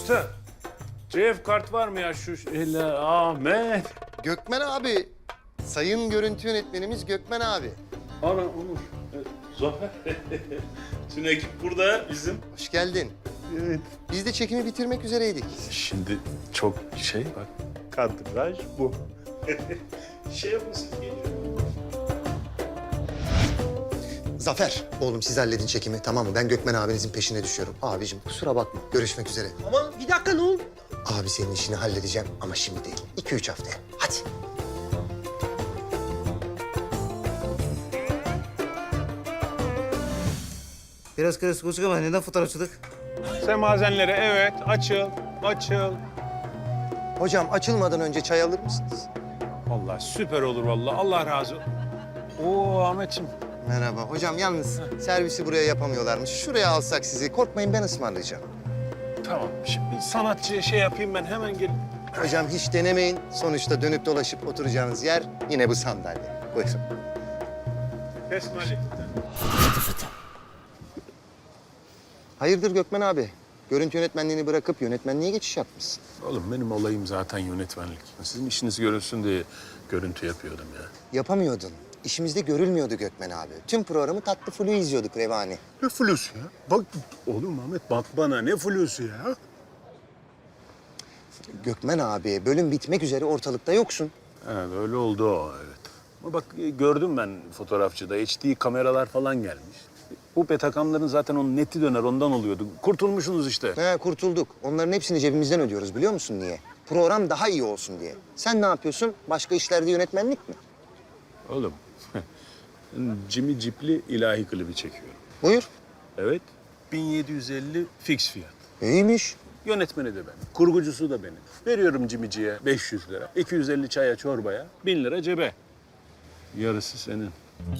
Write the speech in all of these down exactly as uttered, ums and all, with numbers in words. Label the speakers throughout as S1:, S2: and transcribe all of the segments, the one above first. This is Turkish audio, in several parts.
S1: Usta, C F kart var mı ya şu şeyle Ahmet?
S2: Gökmen abi. Sayın görüntü yönetmenimiz Gökmen abi.
S1: Ana Onur, e, Zafer. Tüm ekip burada bizim.
S2: Hoş geldin.
S1: Evet.
S2: Biz de çekimi bitirmek üzereydik.
S1: Şimdi çok şey bak, kadraj bu. şey yapın siz geliyor.
S2: Zafer, oğlum siz halledin çekimi tamam mı? Ben Gökmen abinizin peşine düşüyorum. Abicim kusura bakma. Görüşmek üzere.
S3: Ama bir dakika ne oldu?
S2: Abi senin işini halledeceğim ama şimdi değil. İki üç haftaya. Hadi.
S3: Biraz karışık olacak ama neden fotoğrafçılık?
S1: Semazenlere evet, açıl, açıl.
S2: Hocam açılmadan önce çay alır mısınız?
S1: Vallahi süper olur vallahi. Allah razı olsun. Oo Ahmetciğim.
S2: Merhaba. Hocam yalnız servisi buraya yapamıyorlarmış. Şuraya alsak sizi. Korkmayın ben ısmarlayacağım.
S1: Tamam. Şimdi sanatçıya şey yapayım ben hemen gel.
S2: Hocam hiç denemeyin. Sonuçta dönüp dolaşıp oturacağınız yer yine bu sandalye. Buyurun.
S1: Kesmali.
S2: Hayırdır Gökmen abi? Görüntü yönetmenliğini bırakıp yönetmenliğe geçiş yapmışsın.
S1: Oğlum benim olayım zaten yönetmenlik. Sizin işiniz görülsün diye görüntü yapıyordum ya.
S2: Yapamıyordun. İşimizde görülmüyordu Gökmen abi. Tüm programı tatlı flu izliyorduk Revani.
S1: Ne flusu ya? Bak oğlum Ahmet bak bana ne flusu ya?
S2: Gökmen abi bölüm bitmek üzere ortalıkta yoksun.
S1: Evet öyle oldu o evet. Ama bak gördüm ben fotoğrafçıda H D kameralar falan gelmiş. Bu petakamların zaten onun neti döner ondan oluyordu. Kurtulmuşsunuz işte.
S2: He kurtulduk. Onların hepsini cebimizden ödüyoruz biliyor musun niye? Program daha iyi olsun diye. Sen ne yapıyorsun? Başka işlerde yönetmenlik mi?
S1: Oğlum Jimmy Jeep'li ilahi klibi çekiyorum.
S2: Buyur.
S1: Evet. bin yedi yüz elli fix fiyat.
S2: İyiymiş.
S1: Yönetmeni de benim, kurgucusu da benim. Veriyorum Cimici'ye beş yüz lira, iki yüz elli çaya çorbaya, bin lira cebe. Yarısı senin.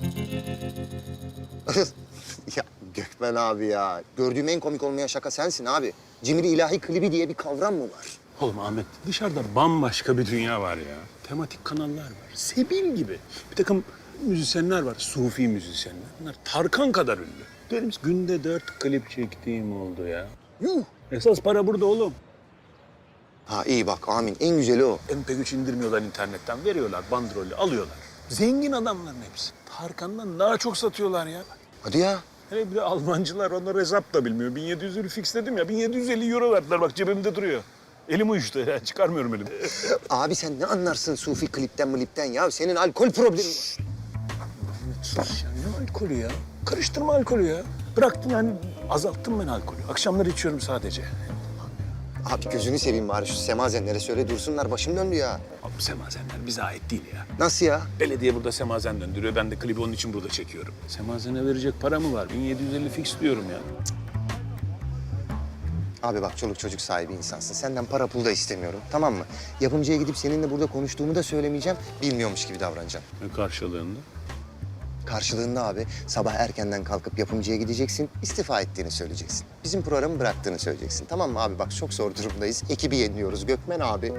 S2: Ya Gökmen abi ya. Gördüğüm en komik olmayan şaka sensin abi. Cimri ilahi klibi diye bir kavram mı var?
S1: Oğlum Ahmet, dışarıda bambaşka bir dünya var ya. Tematik kanallar var, Sebil gibi. Bir takım müzisyenler var, sufi müzisyenler. Bunlar Tarkan kadar ünlü. Benim günde dört klip çektiğim oldu ya.
S2: Yuh.
S1: Esas para burada oğlum.
S2: Ha iyi bak amin. En güzeli o.
S1: M P üç indirmiyorlar internetten, veriyorlar bandrolü, alıyorlar. Zengin adamların hepsi. Tarkan'dan daha çok satıyorlar ya.
S2: Hadi ya.
S1: Hele bir de Almancılar onlar hesap da bilmiyor. bin yedi yüz fix dedim ya, bin yedi yüz elli euro verdiler. Bak cebimde duruyor. Elim uyuştu ya, çıkarmıyorum elimi.
S2: Abi sen ne anlarsın sufi klipten mlipten ya? Senin alkol problemin var.
S1: Sus ya, ne alkolü ya? Karıştırma alkolü ya. Bıraktım yani, azalttım ben alkolü. Akşamları içiyorum sadece.
S2: Abi gözünü seveyim bari şu semazenlere söyle dursunlar. Başım döndü ya.
S1: Abi semazenler bize ait değil ya.
S2: Nasıl ya?
S1: Belediye burada semazen döndürüyor. Ben de klibi onun için burada çekiyorum. Semazene verecek para mı var? bin yedi yüz elli fix diyorum ya.
S2: Abi bak çoluk çocuk sahibi insansın. Senden para pul da istemiyorum. Tamam mı? Yapımcıya gidip seninle burada konuştuğumu da söylemeyeceğim. Bilmiyormuş gibi davranacağım.
S1: Ne karşılığında?
S2: Karşılığında abi sabah erkenden kalkıp yapımcıya gideceksin. İstifa ettiğini söyleyeceksin. Bizim programı bıraktığını söyleyeceksin. Tamam mı abi? Bak çok zor durumdayız. Ekibi yeniliyoruz. Gökmen abi.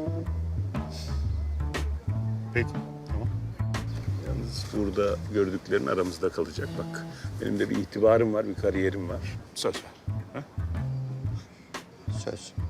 S1: Peki, tamam. Yalnız burada gördüklerin aramızda kalacak bak. Benim de bir itibarım var, bir kariyerim var. Söz ver. Ha?
S2: Söz.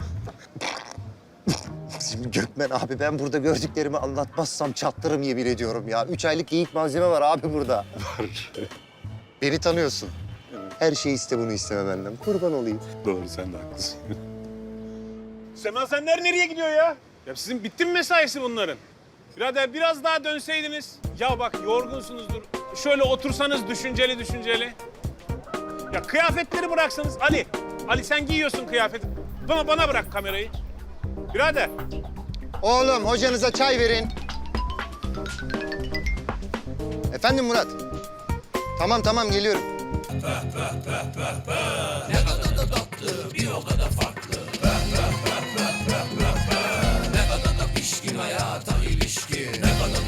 S2: Şimdi Gökmen abi ben burada gördüklerimi anlatmazsam çatlarım yemin ediyorum ya. Üç aylık geyik malzeme var abi burada.
S1: Var.
S2: Beni tanıyorsun. Her şeyi iste bunu isteme benden. Kurban olayım.
S1: Doğru, sen de haklısın. Semazenler nereye gidiyor ya? Ya sizin bitti mi mesaisi bunların? Birader biraz daha dönseydiniz. Ya bak yorgunsunuzdur. Şöyle otursanız düşünceli düşünceli. Ya kıyafetleri bıraksanız. Ali, Ali sen giyiyorsun kıyafeti. Bana, bana bırak kamerayı. Birader.
S2: Oğlum hocanıza çay verin. Efendim Murat. Tamam tamam geliyorum.